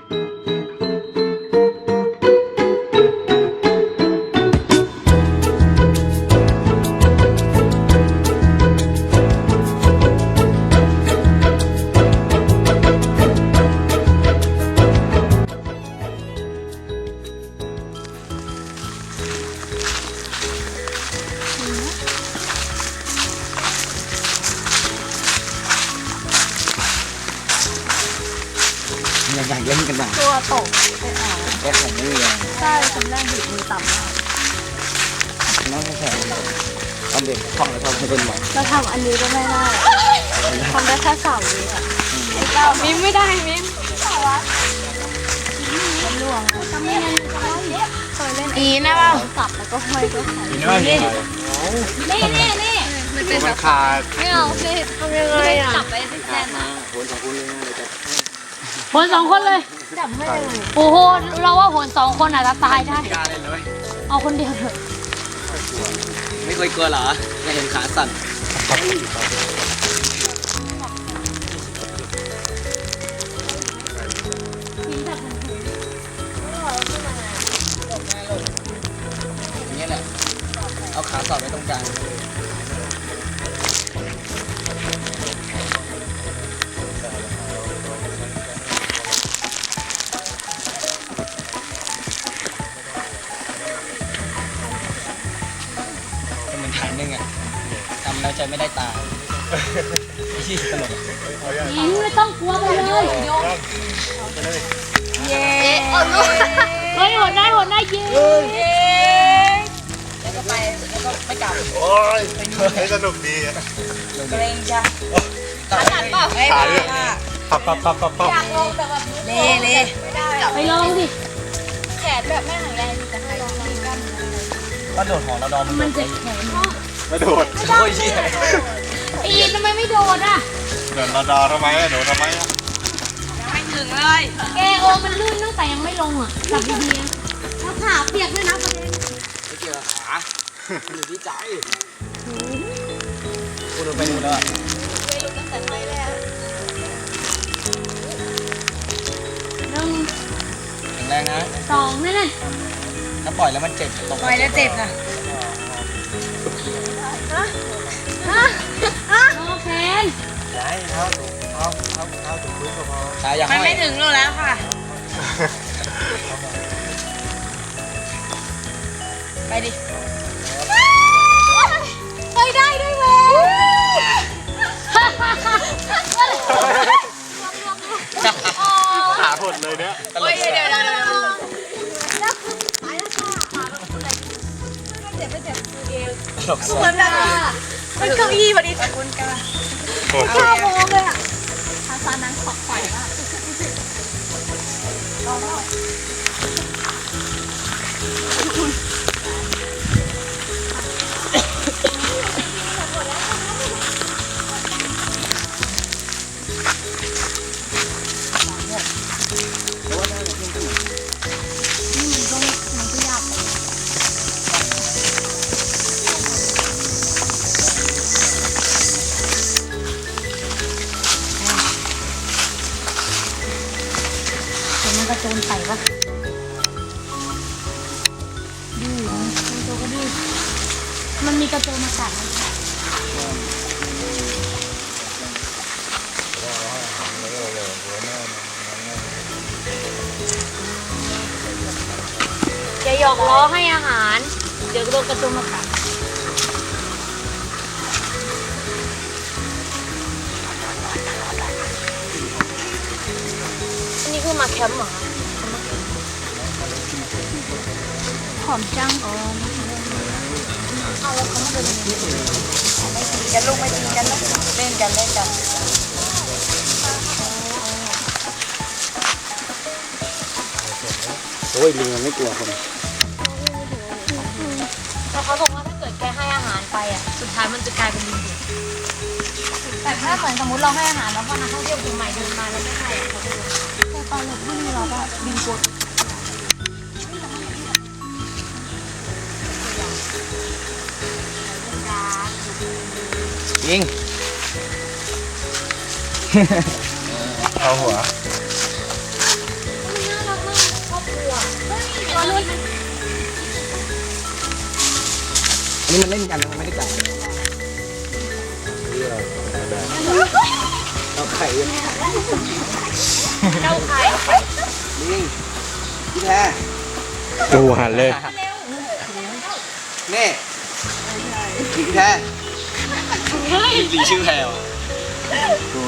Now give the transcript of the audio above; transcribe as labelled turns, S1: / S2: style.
S1: อยากเล่นกันหน่อย
S2: ตัวตกไป
S1: แค่ของนี่เอง
S2: ใช่คนแรกดิบมือต่ำมาก
S1: น้องแค่ตอนเด็กท่องแล้วชอบให้เล่นบ่อย
S2: เราทำอันนี้ก็ไม่ได้ทำได้แค่3 วิอ่ะมิ้มไม่ได้มิ้มมันล่วงทำยังไงเคยเล่นอีนะว่าสับแล้วก็ห้อยก็หายนี่มันเป็นแบบ
S1: ขาด
S2: ไม่เอาสิทำยังไงอ่ะจับไปที่แน่นนะ
S1: โหน2 คนเลย
S2: จับไม่ได้เลย
S3: โอ้โหเราว่าโหน2 คนอาจจะตายได้เอาคนเดียวเถอะ
S1: ไม่เคยกลัวเหรอไม่เห็นขาสั่นอย่างนี้แหละเอาขาสอดไว้ตรงกลางทางนึงอ่ะทำแล้วใจไม่ได้ตาที่ตลก
S3: ยิงไม่ต้องกลัวไปเลย
S2: เย้
S3: เฮ้ยโหดได้ยิง
S2: แล้วก็ไปแล้วก็ไม่กลับ
S4: โอ้ยสนุกดี
S2: เกรงจ้ะขาหนักเปล่า
S4: ขาเรื่องปับ
S2: อยากลงแต่แบบเล่ไม่ได้
S3: ไปลองสิ
S2: แขนแบบไม่แข็งแรงแต่ให้ลองกัน
S1: ก็โดดหอระดอ
S3: มันจะแข็ง
S4: ไม่โดด
S1: โอ้ยเชี่ย
S3: อีทำไมไม่โดดอ่ะ
S4: โดดระดอทำไมโดดทำไม
S2: ยังไม่ถึงเลย
S3: แกโอมันลื่นตั้งแต่ยังไม่ลงอ่ะจับดีๆแล้วขาเปียกด้วยนะประเด็น
S1: ไม่เกี่ยวกับขาอยู่ที่ใจกูโดนไปหมดแล้ว
S2: ไปหลุดตั้งแต่ไม่แล้ว
S3: 1
S1: แรงนะ
S3: 2นั่นน่ะ
S1: ถ้าปล่อยแล้วมันเจ็บตก
S2: ปล่อยแล้วเจ็บนะ
S3: โอเค
S4: ย้ายเท้าถูกพื้นก็พอ
S1: ขาอย่าห้อย
S2: มันไม่ถึงโลแล้วค่ะไปดิไปได้ด้วยเว้ย
S4: ขาหดเลยเนี่ย
S1: ตลก
S2: เดี๋ยว
S1: ตลก
S2: มันแบบมันเก้าอี้พอดีขอบคุณค่ะข้าวโมงเลยอ่ะภาษานั้นขอบไฟมาก
S3: กระโจนใส่ปะดื้อมันตัวก็ดื้อมันมีกระโจนมากัดไหมอย่าหยอกล้อให้อาหารเดี๋ยวโดนกระโจนมากัดอันนี้คือมาแคมป์เหรอหอมจังอ๋อเอาแล้วเขามาเป็นยังไง
S2: กันลงไปตีกันนะเล่นกัน
S1: โอ้ยลิงมันไม่กลัวคน
S3: แต่เขาบอกว่าถ้าเกิดแกให้อาหารไปอ่ะสุดท้ายมันจะกลายเป็นลิงดุแต่ถ้าเหมือนสมมติเราให้อาหารแล้วพอนักท่องเที่ยวกลุ่มใหม่เดินมาแล้วไม่ให้เขาจะแต่ตอนเราไม่มีเราก็บินกด
S1: ยิง
S4: เอาหัว
S1: อันนี้มันเล่นกันนะมันไม่ได้กัด
S4: เอาไข่ยัง
S3: เจ้าใคร
S4: ลิงพี่แท้
S5: ดูหันเลย
S4: นี่พี่แท้
S1: ลิงชื่อแพลว
S4: ตัว